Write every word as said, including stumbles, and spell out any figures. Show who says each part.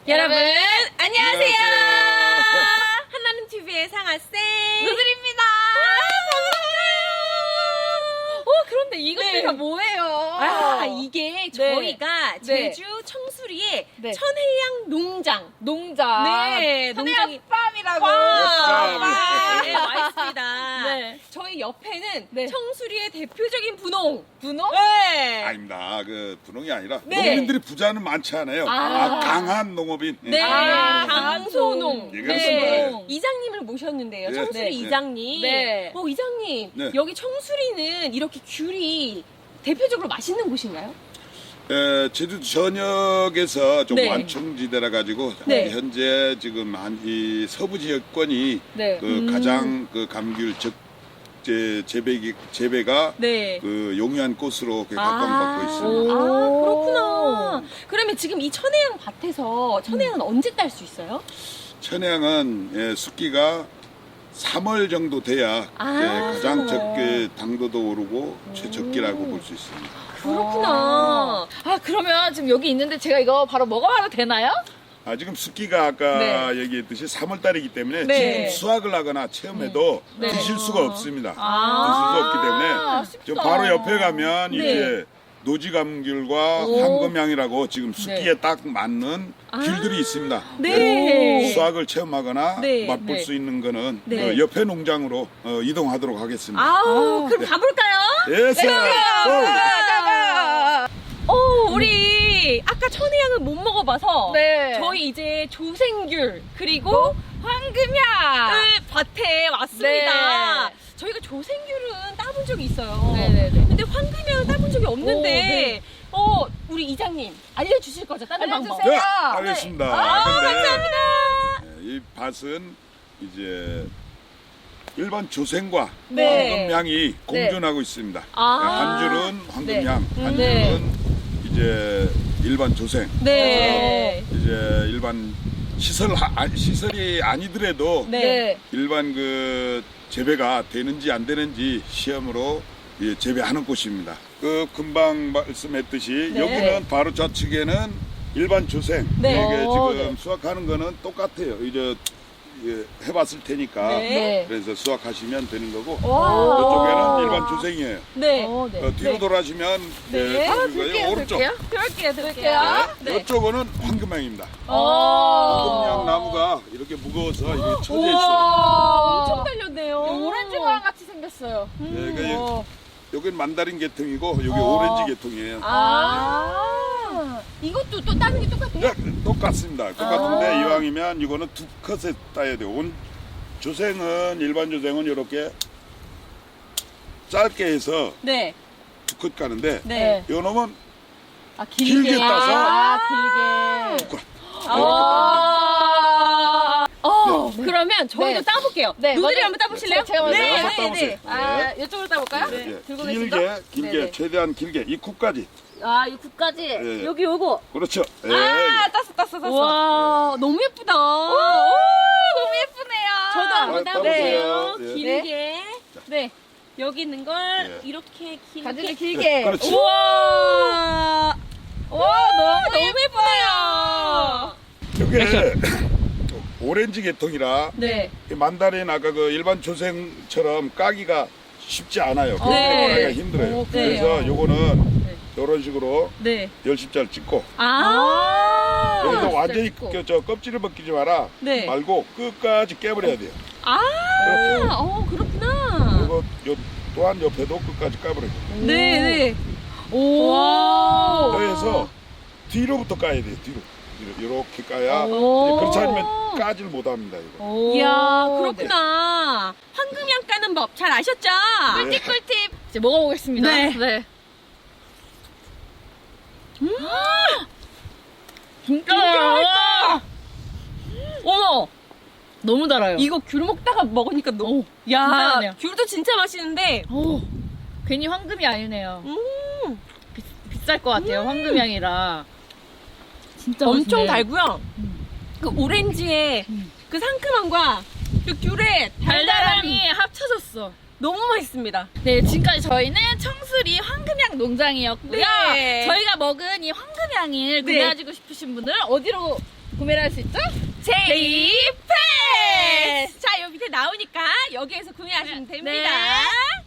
Speaker 1: 여러분 안녕하세요.
Speaker 2: 안녕하세요.
Speaker 1: 한나는 티비의 상아쌤
Speaker 3: 누들입니다.
Speaker 1: 어, 그런데 이것들이
Speaker 3: 네.
Speaker 1: 다 뭐예요? 아, 이게 저희가 제주 청수리의
Speaker 3: 네.
Speaker 1: 천혜향 농장
Speaker 3: 농장.
Speaker 1: 네, 농장이
Speaker 3: 팜이라고.
Speaker 1: 와, 네, 와 있습니다.
Speaker 3: 네.
Speaker 1: 저희 옆에는
Speaker 3: 네.
Speaker 1: 청수리의 대표적인 분홍.
Speaker 3: 분홍?
Speaker 1: 네.
Speaker 2: 아닙니다. 그 분홍이 아니라
Speaker 1: 네.
Speaker 2: 농민들이 부자는 많지 않아요.
Speaker 1: 아.
Speaker 2: 아, 강한 농업인.
Speaker 1: 네,
Speaker 3: 아,
Speaker 1: 강소농.
Speaker 2: 예,
Speaker 1: 네.
Speaker 2: 그렇습니다.
Speaker 1: 이장님을 모셨는데요.
Speaker 2: 네.
Speaker 1: 청수리
Speaker 2: 네.
Speaker 1: 이장님.
Speaker 3: 네.
Speaker 1: 어, 이장님.
Speaker 2: 네.
Speaker 1: 여기 청수리는 이렇게 귤이 대표적으로 맛있는 곳인가요?
Speaker 2: 에, 제주 전역에서 좀
Speaker 1: 네.
Speaker 2: 완충지대라 가지고
Speaker 1: 네.
Speaker 2: 현재 지금 한 이 서부 지역권이
Speaker 3: 네.
Speaker 2: 그
Speaker 1: 음.
Speaker 2: 가장 그 감귤 적 재, 재배 재배가
Speaker 1: 네.
Speaker 2: 그 용이한 꽃으로 각광받고 있습니다.
Speaker 1: 아,
Speaker 3: 오.
Speaker 1: 그렇구나. 그러면 지금 이 천혜향 밭에서 천혜향은 언제 딸 수 있어요?
Speaker 2: 천혜향은 예, 숙기가 삼월 정도 돼야
Speaker 1: 아,
Speaker 2: 예, 가장
Speaker 1: 삼월.
Speaker 2: 적게 당도도 오르고 최적기라고 볼 수 있습니다.
Speaker 1: 그렇구나.
Speaker 3: 아, 그러면 지금 여기 있는데 제가 이거 바로 먹어봐도 되나요?
Speaker 2: 아, 지금 숙기가 아까
Speaker 3: 네.
Speaker 2: 얘기했듯이 삼월 달이기 때문에
Speaker 1: 네.
Speaker 2: 지금 수확을 하거나 체험해도
Speaker 3: 네.
Speaker 2: 드실 수가 없습니다.
Speaker 1: 아.
Speaker 2: 드실 수 없기 때문에
Speaker 3: 아쉽다.
Speaker 2: 지금 바로 옆에 가면
Speaker 1: 네.
Speaker 2: 이제 노지감귤과
Speaker 1: 오.
Speaker 2: 황금향이라고 지금 숙기에 딱 맞는
Speaker 1: 아.
Speaker 2: 귤들이 있습니다.
Speaker 1: 네.
Speaker 2: 수확을 체험하거나
Speaker 1: 네.
Speaker 2: 맛볼
Speaker 3: 네.
Speaker 2: 수 있는 거는
Speaker 1: 네.
Speaker 2: 그 옆에 농장으로 어, 이동하도록 하겠습니다.
Speaker 1: 아우,
Speaker 3: 아.
Speaker 1: 그럼
Speaker 2: 네.
Speaker 1: 가볼까요?
Speaker 2: 예스!
Speaker 1: 어, 우리 아까 천혜향을 못 먹어봐서
Speaker 3: 네.
Speaker 1: 저희 이제 조생귤 그리고
Speaker 3: 황금향.
Speaker 1: 밭에 왔습니다.
Speaker 3: 네.
Speaker 1: 저희가 조생귤은 따본 적이 있어요.
Speaker 3: 네네네.
Speaker 1: 근데 황금향은 따본 적이 없는데
Speaker 3: 오, 네.
Speaker 1: 어, 우리 이장님 알려주실 거죠? 따는 방법.
Speaker 3: 알려주세요.
Speaker 2: 네, 알겠습니다.
Speaker 1: 아,
Speaker 2: 근데
Speaker 1: 감사합니다.
Speaker 2: 네, 이 밭은 이제 일반 조생과
Speaker 1: 네.
Speaker 2: 황금향이 공존하고 있습니다.
Speaker 1: 아.
Speaker 2: 한 줄은 황금향,
Speaker 3: 네.
Speaker 2: 한
Speaker 3: 네.
Speaker 2: 줄은 이제 일반 조생.
Speaker 1: 네.
Speaker 2: 이제 일반 시설 아, 시설이 아니더라도
Speaker 1: 네.
Speaker 3: 네.
Speaker 2: 일반 그 재배가 되는지 안 되는지 시험으로 예, 재배하는 곳입니다. 그 금방 말씀했듯이
Speaker 1: 네.
Speaker 2: 여기는 바로 좌측에는 일반 조생.
Speaker 1: 네.
Speaker 2: 이게
Speaker 3: 어,
Speaker 2: 지금
Speaker 3: 네.
Speaker 2: 수확하는 거는 똑같아요. 이제 예, 해봤을 테니까
Speaker 1: 네.
Speaker 3: 네.
Speaker 2: 그래서 수확하시면 되는 거고
Speaker 1: 와.
Speaker 2: 이쪽에는 일반 조생이에요.
Speaker 1: 네.
Speaker 3: 어, 네.
Speaker 2: 어, 뒤로
Speaker 1: 네.
Speaker 2: 돌아시면
Speaker 1: 네.
Speaker 2: 예,
Speaker 3: 아,
Speaker 2: 그리고요.
Speaker 3: 들게요,
Speaker 2: 오른쪽.
Speaker 3: 들게요.
Speaker 1: 들을게요, 들을게요.
Speaker 3: 들을게요.
Speaker 1: 네.
Speaker 2: 이쪽은 황금향입니다.
Speaker 3: 어.
Speaker 2: 황금향 나무가 이렇게 무거워서 이렇게 쳐져 있어요.
Speaker 1: 우와, 엄청 달렸네요.
Speaker 3: 오렌지랑 같이 생겼어요.
Speaker 2: 네, 그
Speaker 3: 어.
Speaker 2: 여기는 만다린 계통이고 여기
Speaker 3: 어.
Speaker 2: 오렌지 계통이에요.
Speaker 1: 아, 이것도 또 따는 게 똑같아요?
Speaker 2: 네, 똑같습니다. 똑같은데
Speaker 1: 아.
Speaker 2: 이왕이면 이거는 두 컷에 따야 돼요. 온 조생은 일반 조생은 이렇게 짧게 해서
Speaker 1: 네.
Speaker 2: 두 컷 가는데
Speaker 1: 네.
Speaker 2: 요 놈은
Speaker 3: 아,
Speaker 2: 길게 따서
Speaker 3: 아, 길게.
Speaker 2: 두 컷.
Speaker 1: 아, 어,
Speaker 2: 네.
Speaker 1: 그러면 저희도
Speaker 3: 네.
Speaker 1: 따볼게요.
Speaker 3: 네,
Speaker 1: 누들이
Speaker 3: 먼저-
Speaker 1: 한번 따보실래요?
Speaker 3: 제가 먼저
Speaker 1: 네,
Speaker 2: 한번
Speaker 1: 네,
Speaker 2: 따보세요.
Speaker 1: 네.
Speaker 3: 아, 이쪽으로 따볼까요?
Speaker 2: 예, 예.
Speaker 3: 들고
Speaker 2: 길게
Speaker 3: 계신가?
Speaker 2: 길게
Speaker 3: 네네.
Speaker 2: 최대한 길게 이 굽까지.
Speaker 3: 아, 이 국까지.
Speaker 2: 예.
Speaker 3: 여기 요거.
Speaker 2: 그렇죠. 예.
Speaker 3: 아, 땄어, 땄어, 땄어.
Speaker 1: 와, 너무 예쁘다.
Speaker 3: 오, 너무 예쁘네요.
Speaker 1: 저도 한번
Speaker 2: 아,
Speaker 1: 따보세요.
Speaker 2: 따보세요. 예.
Speaker 1: 길게.
Speaker 3: 네.
Speaker 1: 여기 있는 걸
Speaker 2: 예.
Speaker 1: 이렇게 길게.
Speaker 3: 가지를 길게.
Speaker 2: 그렇지.
Speaker 1: 우와.
Speaker 3: 와, 너무,
Speaker 1: 너무 예쁘네요.
Speaker 2: 이게 오렌지 계통이라
Speaker 1: 네.
Speaker 2: 이 만다린 아까 그 일반 조생처럼 까기가 쉽지 않아요.
Speaker 1: 네.
Speaker 2: 까기가 힘들어요.
Speaker 3: 오,
Speaker 1: 그래요?
Speaker 2: 그래서 요거는
Speaker 3: 네.
Speaker 2: 이런 식으로
Speaker 1: 네.
Speaker 2: 열십자를 찍고
Speaker 1: 아.
Speaker 2: 여기서
Speaker 3: 열십자를
Speaker 2: 완전히
Speaker 3: 찍고.
Speaker 2: 그, 저 껍질을 벗기지 마라
Speaker 1: 네.
Speaker 2: 말고 끝까지 깨버려야 돼요.
Speaker 1: 아.
Speaker 2: 이렇게.
Speaker 1: 어, 그렇구나.
Speaker 2: 그리고 요, 또한 옆에도 끝까지 까버려요.
Speaker 1: 네, 네. 오.
Speaker 2: 그래서 뒤로부터 까야 돼요. 뒤로. 이렇게 까야
Speaker 1: 오.
Speaker 2: 그렇지 않으면 까지를 못합니다. 이거.
Speaker 3: 오.
Speaker 1: 이야, 그렇구나. 황금향 까는 법 잘 아셨죠?
Speaker 2: 네.
Speaker 3: 꿀팁. 이제 먹어보겠습니다.
Speaker 1: 네.
Speaker 3: 네.
Speaker 1: 음.
Speaker 3: 진짜
Speaker 1: 맛있다.
Speaker 3: 어머. 너무 달아요.
Speaker 1: 이거 귤 먹다가 먹으니까 너무.
Speaker 3: 진짜
Speaker 1: 야,
Speaker 3: 맛있네요.
Speaker 1: 귤도 진짜 맛있는데.
Speaker 3: 오. 괜히 황금이 아니네요.
Speaker 1: 음.
Speaker 3: 비, 비쌀 것 같아요. 황금향이라. 진짜
Speaker 1: 엄청
Speaker 3: 맛있네.
Speaker 1: 달고요.
Speaker 3: 음.
Speaker 1: 그 오렌지의
Speaker 3: 음.
Speaker 1: 그 상큼함과 그 귤의 달달함이
Speaker 3: 달달함이 합쳐졌어.
Speaker 1: 너무 맛있습니다.
Speaker 3: 네, 지금까지 저희는 청수리 황금향 농장이었고요.
Speaker 1: 네.
Speaker 3: 저희가 먹은 이 황금향을
Speaker 1: 네.
Speaker 3: 구매하시고 싶으신 분들 어디로
Speaker 1: 구매를 할 수 있죠? 제이패스! 자, 여기 밑에 나오니까 여기에서 구매하시면 됩니다.
Speaker 3: 네.